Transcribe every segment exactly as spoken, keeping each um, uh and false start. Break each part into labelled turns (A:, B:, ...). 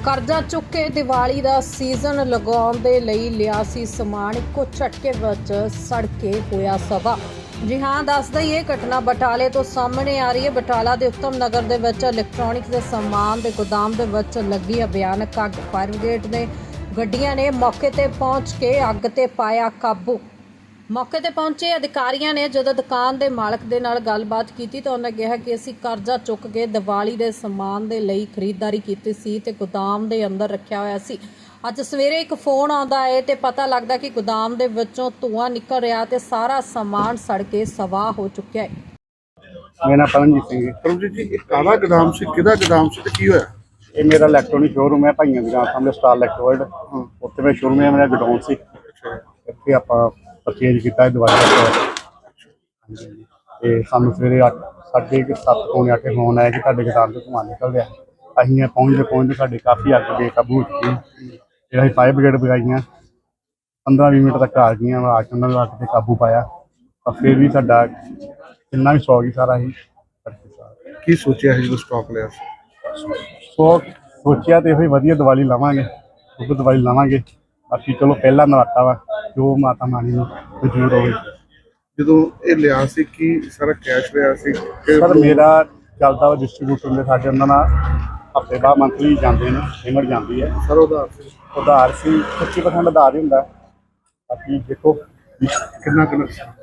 A: ਕਰਜ਼ਾ ਚੁੱਕ ਕੇ ਦੀਵਾਲੀ ਦਾ ਸੀਜ਼ਨ ਲਗਾਉਣ ਦੇ ਲਈ ਲਿਆ ਸੀ ਸਮਾਨ, ਇੱਕੋ ਝਟਕੇ ਵਿੱਚ ਸੜ ਕੇ ਹੋਇਆ ਸਵਾ। ਜੀ ਹਾਂ, ਦੱਸ ਦਈਏ ਘਟਨਾ ਬਟਾਲੇ ਤੋਂ ਸਾਹਮਣੇ ਆ ਰਹੀ ਹੈ। ਬਟਾਲਾ ਦੇ ਉੱਤਮ ਨਗਰ ਦੇ ਵਿੱਚ ਇਲੈਕਟ੍ਰੋਨਿਕਸ ਦੇ ਸਮਾਨ ਦੇ ਗੋਦਾਮ ਦੇ ਵਿੱਚ ਲੱਗੀ ਹੈ ਭਿਆਨਕ ਅੱਗ। ਫਾਇਰ ਬ੍ਰਿਗੇਡ ਦੇ ਗੱਡੀਆਂ ਨੇ ਮੌਕੇ ਤੇ ਪਹੁੰਚ ਕੇ ਅੱਗ ਤੇ ਪਾਇਆ ਕਾਬੂ। ਮੌਕੇ ਤੇ ਪਹੁੰਚੇ ਅਧਿਕਾਰੀਆਂ ਨੇ ਜਦੋਂ ਦੁਕਾਨ ਦੇ ਮਾਲਕ ਦੇ ਨਾਲ ਗੱਲਬਾਤ ਕੀਤੀ ਤਾਂ ਉਹਨਾਂ ਕਿਹਾ ਕਿ ਅਸੀਂ ਕਰਜ਼ਾ ਚੁੱਕ ਕੇ ਦੀਵਾਲੀ ਦੇ ਸਮਾਨ ਦੇ ਲਈ ਖਰੀਦਦਾਰੀ ਕੀਤੀ ਸੀ ਤੇ ਗੋਦਾਮ ਦੇ ਅੰਦਰ ਰੱਖਿਆ ਹੋਇਆ ਸੀ। ਅੱਜ ਸਵੇਰੇ ਇੱਕ ਫੋਨ ਆਉਂਦਾ ਹੈ ਤੇ ਪਤਾ ਲੱਗਦਾ ਕਿ ਗੋਦਾਮ ਦੇ ਵਿੱਚੋਂ ਧੂੰਆਂ ਨਿਕਲ ਰਿਹਾ ਤੇ ਸਾਰਾ ਸਮਾਨ ਸੜ ਕੇ ਸਵਾਹ ਹੋ ਚੁੱਕਿਆ ਹੈ।
B: ਮੇਰਾ ਨਾਮ ਪਰਮਜੀਤ ਸਿੰਘ ਹੈ।
C: ਪਰਮਜੀਤ ਜੀ, ਇਹ ਕਾਹਦਾ ਗੋਦਾਮ ਸੀ, ਕਿਹਦਾ ਗੋਦਾਮ ਸੀ ਤੇ ਕੀ ਹੋਇਆ?
B: ਇਹ ਮੇਰਾ ਇਲੈਕਟ੍ਰੋਨਿਕ ਸ਼ੋਰੂਮ ਹੈ ਭਾਈਆਂ ਦੀ ਦੁਕਾਨ ਸਾਹਮਣੇ ਸਟਾਰ ਇਲੈਕਟ੍ਰੋਇਡ। ਉੱਥੇ ਮੈਂ ਸ਼ੋਰੂਮ ਹੈ, ਮੇਰਾ ਗੋਡਾਊਨ ਸੀ। ਇੱਥੇ ਆਪਾਂ ਪਰਚੇਜ ਕੀਤਾ ਦੀਵਾਲੀ ਦਾ। ਤੇ ਸਾਨੂੰ ਸਵੇਰੇ ਅੱਠ ਸਾਢੇ ਕੁ ਸੱਤ ਪੌਣੇ ਅੱਠ ਫੋਨ ਆਇਆ ਕਿ ਤੁਹਾਡੇ ਗੋਦਾਮ ਤੋਂ ਧੂੰਆਂ ਨਿਕਲ ਰਿਹਾ। ਅਸੀਂ ਪਹੁੰਚਦੇ ਪਹੁੰਚਦੇ ਸਾਡੇ ਕਾਫੀ ਅੱਗ ਬੇਕਾਬੂ ਹੋ ਚੁੱਕੀ। ਫਿਰ ਅਸੀਂ ਫਾਇਰ ਬ੍ਰਿਗੇਡ ਬੁਲਾਈਆਂ, ਪੰਦਰਾਂ ਵੀਹ ਮਿੰਟ ਤੱਕ ਆ ਗਈਆਂ। ਆ ਕੇ ਉਹਨਾਂ ਨੂੰ ਅੱਗ 'ਤੇ ਕਾਬੂ ਪਾਇਆ, ਪਰ ਫਿਰ ਵੀ ਸਾਡਾ ਕਿੰਨਾ ਵੀ ਸੌ ਗਈ ਸਾਰਾ ਹੀ।
C: ਕੀ ਸੋਚਿਆ ਸੀ ਜਦੋਂ ਸਟਾਕ ਲਿਆ ਸੀ?
B: ਸੋ ਸੋਚਿਆ ਤੇ ਇਹੋ ਵਧੀਆ ਦੀਵਾਲੀ ਲਾਵਾਂਗੇ, ਉਹ ਦੀਵਾਲੀ ਲਾਵਾਂਗੇ। ਬਾਕੀ ਚਲੋ ਪਹਿਲਾ ਨਰਾਤਾ ਵਾ, ਜੋ ਮਾਤਾ ਰਾਣੀ ਨੂੰ ਮਨਜ਼ੂਰ ਹੋਵੇ।
C: ਜਦੋਂ ਇਹ ਲਿਆ ਸੀ ਕੀ ਸਾਰਾ ਕੈਸ਼ ਲਿਆ ਸੀ?
B: ਸਰ ਮੇਰਾ ਚੱਲਦਾ ਵਾ ਡਿਸਟਰੀਬਿਊਟਰ ਦੇ, ਸਾਡੇ ਉਹਨਾਂ ਨਾਲ ਹਫ਼ਤੇ ਬਾਅਦ ਮੰਥਲੀ ਜਾਂਦੇ ਨੇ, ਪੇਮੈਂਟ ਜਾਂਦੀ ਹੈ।
C: ਸਰ ਉਧਾਰ ਸੀ?
B: ਉਧਾਰ ਸੀ, ਪੱਚੀ ਪਰਸੈਂਟ ਉਧਾਰ ਹੀ ਹੁੰਦਾ। ਬਾਕੀ ਦੇਖੋ
C: ਕਿੰਨਾ ਕਿੰਨਾ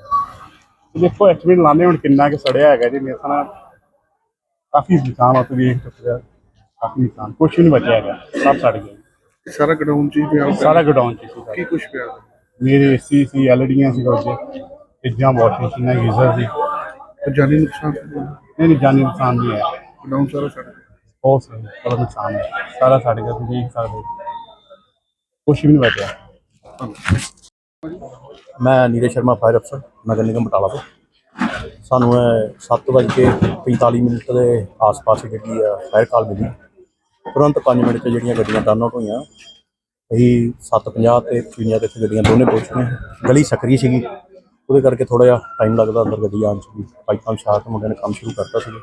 B: ਦੇਖੋ ਐਸਟੀਮੇਟ ਲਾਉਂਦੇ ਹੁਣ ਕਿੰਨਾ ਕੁ ਸੜਿਆ ਹੈਗਾ ਜੀ। ਮੇਰੇ ਨਾਲ ਕਾਫੀ ਨੁਕਸਾਨ ਆ, ਤੁਸੀਂ ਵੇਖ ਸਕਦੇ ਹੋ। ਕਾਫੀ ਨੁਕਸਾਨ, ਕੁਛ ਵੀ ਨਹੀਂ ਬਚਿਆ ਹੈਗਾ, ਸਭ ਸੜ ਗਿਆ।
C: ਸਾਰਾ ਗੋਡਾਊਨ ਚ ਹੀ ਪਿਆ?
B: ਸਾਰਾ ਗੋਡਾਊਨ 'ਚ ਸੀ।
C: ਕੀ ਕੁਛ ਪਿਆ?
B: ਮੇਰੇ ਏਸੀ ਸੀ, ਐਲ ਡੀਆਂ ਸੀ, ਕੁਝ ਫਰਿੱਜਾਂ, ਵਾਸ਼ਿੰਗ ਮਸ਼ੀਨਾਂ, ਗੀਜ਼ਰ ਸੀ।
C: ਤੇ ਜਾਨੀ ਨੁਕਸਾਨ?
B: ਨਹੀਂ ਨਹੀਂ, ਜਾਨੀ ਨੁਕਸਾਨ ਨਹੀਂ ਹੈ।
C: ਗੋਡਾਊਨ ਸਾਰਾ ਸੜ ਗਿਆ?
B: ਬਹੁਤ ਸਹੀ, ਬੜਾ ਨੁਕਸਾਨ ਹੈ, ਸਾਰਾ ਸੜ ਗਿਆ। ਤੁਸੀਂ ਦੇਖ ਸਕਦੇ ਹੋ, ਕੁਛ ਵੀ ਨਹੀਂ ਬਚਿਆ।
D: ਮੈਂ ਨੀਰਜ ਸ਼ਰਮਾ, ਫਾਇਰ ਅਫਸਰ, ਨਗਰ ਨਿਗਮ ਬਟਾਲਾ ਤੋਂ। ਸਾਨੂੰ ਸੱਤ ਵੱਜ ਕੇ ਪੰਤਾਲੀ ਮਿੰਟ ਦੇ ਆਸ-ਪਾਸ ਜਿਹੜੀ ਆ ਫਾਇਰ ਕਾਲ ਮਿਲੀ। ਤੁਰੰਤ ਪੰਜ ਮਿੰਟ 'ਚ ਜਿਹੜੀਆਂ ਗੱਡੀਆਂ ਟਰਨ ਆਊਟ ਹੋਈਆਂ। ਅਸੀਂ ਸੱਤ ਪੰਜਾਹ ਅਤੇ ਪਚਵੰਜਾ 'ਤੇ ਇੱਥੇ ਗੱਡੀਆਂ ਦੋਨੇ ਪਹੁੰਚ ਗਈਆਂ। ਗਲੀ ਸਕਰੀ ਸੀਗੀ, ਉਹਦੇ ਕਰਕੇ ਥੋੜ੍ਹਾ ਜਿਹਾ ਟਾਈਮ ਲੱਗਦਾ ਅੰਦਰ ਗੱਡੀ ਆਉਣ 'ਚ ਵੀ। ਪਾਈਪਾਂ ਵਿਛਾ ਕੇ ਮੁੰਡਿਆਂ ਨੇ ਕੰਮ ਸ਼ੁਰੂ ਕਰਤਾ ਸੀ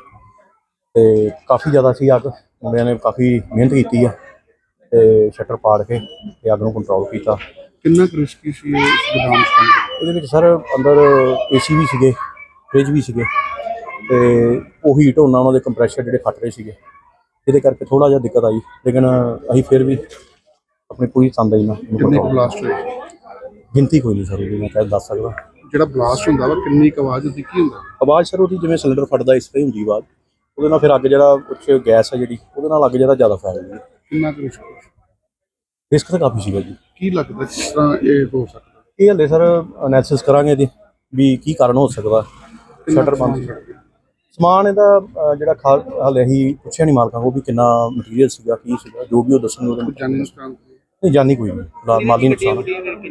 D: ਅਤੇ ਕਾਫੀ ਜ਼ਿਆਦਾ ਸੀ ਅੱਗ। ਮੁੰਡਿਆਂ ਨੇ ਕਾਫੀ ਮਿਹਨਤ ਕੀਤੀ ਹੈ ਅਤੇ ਸ਼ਟਰ ਪਾੜ ਕੇ ਅਤੇ ਅੱਗ ਨੂੰ ਕੰਟਰੋਲ ਕੀਤਾ।
C: ਕਿੰਨਾ ਕੁ ਰਿਸਕੀ ਸੀ ਇਹ ਗੋਦਾਮ ਚ?
D: ਇਹਦੇ ਵਿੱਚ ਸਰ ਅੰਦਰ ਏ ਸੀ ਵੀ ਸੀਗੇ, ਫਰਿੱਜ ਵੀ ਸੀਗੇ ਅਤੇ ਉਹ ਹੀਟ ਹੋਣਾ, ਉਹਨਾਂ ਦੇ ਕੰਪਰੈਸ਼ਰ ਜਿਹੜੇ ਫਟ ਰਹੇ ਸੀਗੇ, ਇਹਦੇ ਕਰਕੇ ਥੋੜ੍ਹਾ ਜਿਹਾ ਦਿੱਕਤ ਆਈ। ਲੇਕਿਨ ਅਸੀਂ ਫਿਰ ਵੀ ਆਪਣੀ ਪੂਰੀ ਤੰਦਾਈ ਨਾਲ
C: ਕਿੰਨੇ ਕੁ ਬਲਾਸਟ ਹੋਏ?
D: ਗਿਣਤੀ ਕੋਈ ਨਹੀਂ ਸਰ ਉਹਦੀ ਮੈਂ ਕਹਿ ਦੱਸ ਸਕਦਾ।
C: ਜਿਹੜਾ ਬਲਾਸਟ ਹੁੰਦਾ ਵਾ ਕਿੰਨੀ ਕੁ ਆਵਾਜ਼ ਹੁੰਦੀ, ਕੀ ਹੁੰਦਾ?
D: ਆਵਾਜ਼ ਸਰ ਉਹਦੀ ਜਿਵੇਂ ਸਿਲੰਡਰ ਫਟਦਾ ਇਸ ਤਰ੍ਹਾਂ ਹੀ ਹੁੰਦੀ ਆਵਾਜ਼। ਉਹਦੇ ਨਾਲ ਫਿਰ ਅੱਗ ਜਿਹੜਾ ਉੱਚ ਗੈਸ ਹੈ ਜਿਹੜੀ, ਉਹਦੇ ਨਾਲ ਅੱਗ ਜਿਹੜਾ ਜ਼ਿਆਦਾ ਫੈਲ ਗਈ।
C: ਕਿੰਨਾ ਕੁ ਰਿਸਕ?
D: ਰਿਸਕ ਤਾਂ ਕਾਫੀ ਸੀਗਾ ਜੀ।
C: ਕੀ ਲੱਗਦਾ ਕਿਸ ਤਰ੍ਹਾਂ ਇਹ ਹੋ ਸਕਦਾ?
D: ਇਹ ਹਲੇ ਸਰ ਅਨੈਲਿਸਿਸ ਕਰਾਂਗੇ ਇਹਦੀ ਵੀ ਕੀ ਕਾਰਨ ਹੋ ਸਕਦਾ। ਸ਼ਟਰ ਬੰਦ ਸੀ, ਸਮਾਨ ਇਹਦਾ ਜਿਹੜਾ ਖਾ ਹਾਲੇ ਅਸੀਂ ਪੁੱਛਿਆ ਨਹੀਂ ਮਾਲਕਾਂ ਕੋਲ ਵੀ ਕਿੰਨਾ ਮਟੀਰੀਅਲ ਸੀਗਾ, ਕੀ ਸੀਗਾ, ਜੋ ਵੀ ਉਹ ਦੱਸਣਗੇ ਉਹਦੇ।
C: ਜਾਨੀ ਨੁਕਸਾਨ?
D: ਨਹੀਂ, ਜਾਨੀ ਕੋਈ ਨਹੀਂ, ਫਿਲਹਾਲ ਮਾਲੀ ਨੁਕਸਾਨ।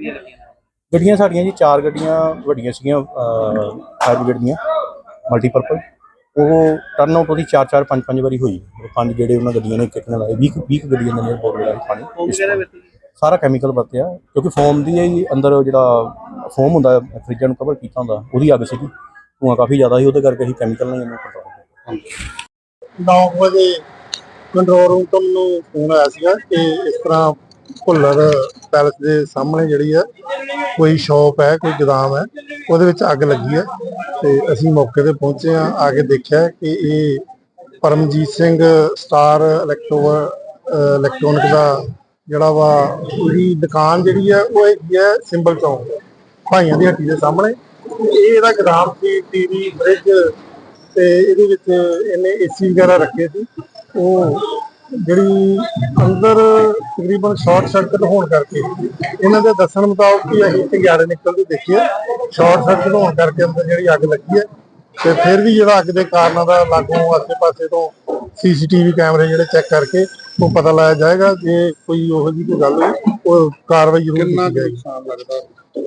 D: ਗੱਡੀਆਂ ਸਾਡੀਆਂ ਜੀ ਚਾਰ ਗੱਡੀਆਂ ਵੱਡੀਆਂ ਸੀਗੀਆਂ ਫਾਇਰ ਬ੍ਰਿਗੇਡ ਦੀਆਂ ਮਲਟੀਪਰਪਜ਼। ਉਹ ਟਰਨ ਆਊਟ ਉਹਦੀ ਚਾਰ ਚਾਰ ਪੰਜ ਪੰਜ ਵਾਰੀ ਹੋਈ। ਪੰਜ ਜਿਹੜੇ ਉਹਨਾਂ ਗੱਡੀਆਂ ਨੇ ਇੱਕ ਇੱਕ ਨਾਲ ਆਏ, ਵੀਹ ਵੀਹ ਗੱਡੀਆਂ ਦੇ ਬਹੁਤ ਜਿਹੜਾ ਪਾਣੀ ਸਾਰਾ ਕੈਮੀਕਲ ਵਰਤਿਆ, ਕਿਉਂਕਿ ਫੋਮ ਦੀ ਹੀ ਅੰਦਰ ਜਿਹੜਾ ਫੋਮ ਹੁੰਦਾ ਫਰਿੱਜਾਂ ਨੂੰ ਕਵਰ ਕੀਤਾ ਹੁੰਦਾ, ਉਹਦੀ ਅੱਗ ਸੀਗੀ। ਧੂੰਆਂ ਕਾਫੀ ਜ਼ਿਆਦਾ ਸੀ, ਉਹਦੇ ਕਰਕੇ ਅਸੀਂ ਕੈਮੀਕਲ ਨਾਲ ਇਹਨੂੰ ਕੰਟਰੋਲ ਕੀਤਾ।
E: ਨੌ ਵਜੇ ਕੰਟਰੋਲ ਰੂਮ ਤੋਂ ਮੈਨੂੰ ਫੋਨ ਆਇਆ ਸੀਗਾ ਕਿ ਇਸ ਤਰ੍ਹਾਂ ਭੁੱਲਰ ਪੈਲਸ ਦੇ ਸਾਹਮਣੇ ਜਿਹੜੀ ਹੈ ਕੋਈ ਸ਼ੌਪ ਹੈ, ਕੋਈ ਗੋਦਾਮ ਹੈ, ਉਹਦੇ ਵਿੱਚ ਅੱਗ ਲੱਗੀ ਹੈ। ਤੇ ਅਸੀਂ ਮੌਕੇ ਤੇ ਪਹੁੰਚੇ ਹਾਂ, ਆ ਕੇ ਦੇਖਿਆ ਕਿ ਇਹ Paramjit Singh star electro electronic ਦਾ ਜਿਹੜਾ ਵਾ ਉਹਦੀ ਦੁਕਾਨ ਜਿਹੜੀ ਹੈ ਉਹ ਹੈਗੀ ਹੈ ਸਿੰਬਲ ਚੌਂਕ ਭਾਈਆਂ ਦੀ ਹੱਟੀ ਦੇ ਸਾਹਮਣੇ। ਇਹ ਇਹਦਾ ਗੋਦਾਮ ਸੀ, ਟੀਵੀ, ਫਰਿੱਜ ਤੇ ਇਹਦੇ ਵਿੱਚ ਇਹਨੇ ਏਸੀ ਵਗੈਰਾ ਰੱਖੇ ਸੀ। ਉਹ ਜਿਹੜੀ ਅੰਦਰ ਤਕਰੀਬਨ ਸ਼ਾਰਟ ਸਰਕਟ ਹੋਣ ਕਰਕੇ, ਇਹਨਾਂ ਦੇ ਦੱਸਣ ਮੁਤਾਬਕ ਕਿ ਅਸੀਂ ਚੰਗਿਆੜੇ ਨਿਕਲਦੇ ਦੇਖੀਏ, ਸ਼ਾਰਟ ਸਰਕਟ ਹੋਣ ਕਰਕੇ ਅੰਦਰ ਜਿਹੜੀ ਅੱਗ ਲੱਗੀ ਹੈ। ਤੇ ਫਿਰ ਵੀ ਜਿਹੜਾ ਅੱਗ ਦੇ ਕਾਰਨਾਂ ਦਾ ਲਾਗੋਂ ਆਸੇ ਪਾਸੇ ਤੋਂ ਸੀਸੀਟੀਵੀ ਕੈਮਰੇ ਜਿਹੜੇ ਚੈੱਕ ਕਰਕੇ ਉਹ ਪਤਾ ਲਾਇਆ ਜਾਏਗਾ। ਜੇ ਕੋਈ ਉਹੋ ਜਿਹੀ ਕੋਈ ਗੱਲ ਹੋਈ ਉਹ ਕਾਰਵਾਈ ਜ਼ਰੂਰ ਕੀਤੀ ਜਾਏਗੀ।
C: ਨੁਕਸਾਨ ਲੱਗਦਾ?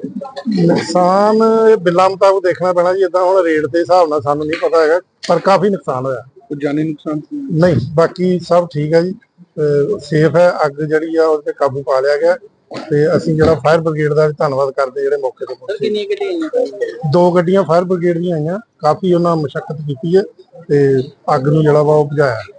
E: ਨੁਕਸਾਨ ਇਹ ਬਿੱਲਾਂ ਮੁਤਾਬਕ ਦੇਖਣਾ ਪੈਣਾ ਜੀ, ਏਦਾਂ ਹੁਣ ਰੇਟ ਦੇ ਹਿਸਾਬ ਨਾਲ ਸਾਨੂੰ ਨਹੀਂ ਪਤਾ ਹੈਗਾ, ਪਰ ਕਾਫੀ ਨੁਕਸਾਨ ਹੋਇਆ।
C: ਕੋਈ ਜਾਨੀ ਨੁਕਸਾਨ
E: ਨਹੀਂ, ਬਾਕੀ ਸਭ ਠੀਕ ਹੈ ਜੀ, ਸੇਫ ਹੈ। ਅੱਗ ਜਿਹੜੀ ਆ ਉਹਦੇ ਤੇ ਕਾਬੂ ਪਾ ਲਿਆ ਗਿਆ ਤੇ ਅਸੀਂ ਜਿਹੜਾ ਫਾਇਰ ਬ੍ਰਿਗੇਡ ਦਾ ਵੀ ਧੰਨਵਾਦ ਕਰਦੇ ਜਿਹੜੇ ਮੌਕੇ ਤੇ ਪਹੁੰਚੇ। ਕਿੰਨੀਆਂ ਗੱਡੀਆਂ? ਦੋ ਗੱਡੀਆਂ ਫਾਇਰ ਬ੍ਰਿਗੇਡ ਦੀਆਂ ਆਈਆਂ, ਕਾਫੀ ਉਹਨਾਂ ਮਸ਼ੱਕਤ ਕੀਤੀ ਹੈ ਤੇ ਅੱਗ ਨੂੰ ਜਿਹੜਾ ਵਾ ਉਹ ਬੁਝਾਇਆ।